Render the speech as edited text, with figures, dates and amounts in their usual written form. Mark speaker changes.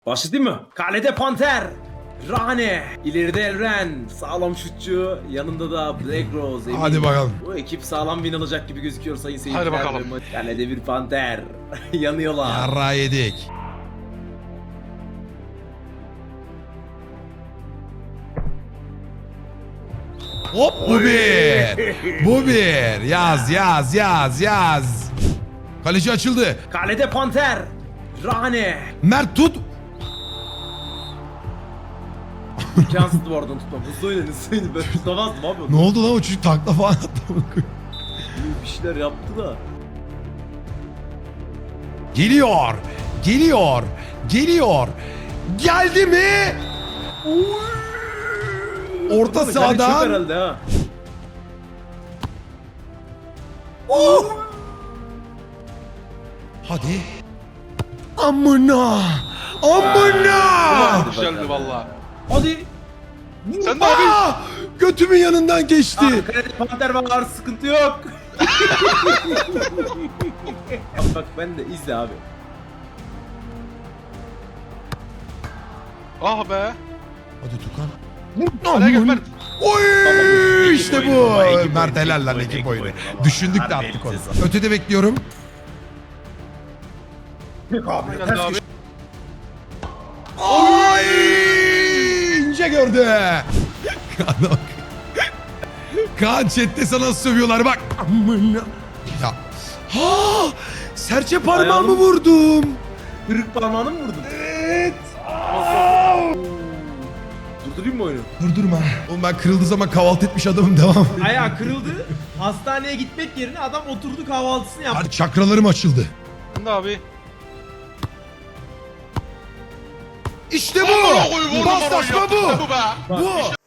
Speaker 1: Başladı mı? Kalede Panter, Rane, ileride Elren, sağlam şutçu, yanında da Black Rose. Emin.
Speaker 2: Hadi bakalım.
Speaker 1: Bu ekip sağlam win alacak gibi gözüküyor sayın seyirciler.
Speaker 3: Hadi bakalım.
Speaker 1: Kalede bir Panter, yanıyorlar.
Speaker 2: Yarra yedik. Hop bu bir. Bu bir. Yaz. Kaleci açıldı.
Speaker 1: Kalede Panter, Rane.
Speaker 2: Mert tut.
Speaker 1: İmkansızdı bu aradan tutmam. Hızlı oynayın, hızlı oynayın. Ben tutamazdım abi.
Speaker 2: Ne oldu lan o çocuk takla falan attı.
Speaker 1: Bir şeyler yaptı da.
Speaker 2: Geliyor. Geldi mi? Orta
Speaker 1: Kale çok
Speaker 2: sahadan.
Speaker 1: herhalde ha.
Speaker 2: Hadi. Amına.
Speaker 3: Güzeldi valla.
Speaker 1: Hadi.
Speaker 3: Sen de abi.
Speaker 2: Götümün yanından geçti.
Speaker 1: Abi, kalede Panter var, sıkıntı yok. Bak ben de izle abi.
Speaker 3: Ah be.
Speaker 2: Hadi Tukan.
Speaker 3: Araya gel Mert.
Speaker 2: Oy işte bu.
Speaker 1: Baba, ekip
Speaker 2: Mert
Speaker 1: oyunu,
Speaker 2: helal lan
Speaker 1: ekip
Speaker 2: ekip
Speaker 1: oyunu,
Speaker 2: oyunu.
Speaker 1: baba.
Speaker 2: Düşündük de
Speaker 1: Harbi
Speaker 2: attık onu.
Speaker 1: elbise.
Speaker 2: Ötede bekliyorum.
Speaker 3: Aynen abi.
Speaker 2: Ay ince gördü. Kaan'a bak. Kaan chatte sana sövüyorlar bak. Amına. Ya. Ha! Serçe parmağımı
Speaker 1: Ayağım-
Speaker 2: vurdum.
Speaker 1: Kırık parmağını mı vurdun?
Speaker 2: Evet.
Speaker 1: Durdurayım mı oyunu?
Speaker 2: Durdurma. Oğlum ben kırıldığı zaman kahvaltı etmiş adamım devam.
Speaker 4: Ayağı kırıldı. Hastaneye gitmek yerine adam oturdu kahvaltısını yaptı.
Speaker 2: Hadi çakralarım açıldı.
Speaker 3: Sen de abi.
Speaker 2: İşte
Speaker 3: Amına
Speaker 2: bu.
Speaker 3: koyayım, oğlum,
Speaker 2: Paslaşma
Speaker 3: yaptın
Speaker 2: bu.
Speaker 3: sen bu be.
Speaker 2: Bu.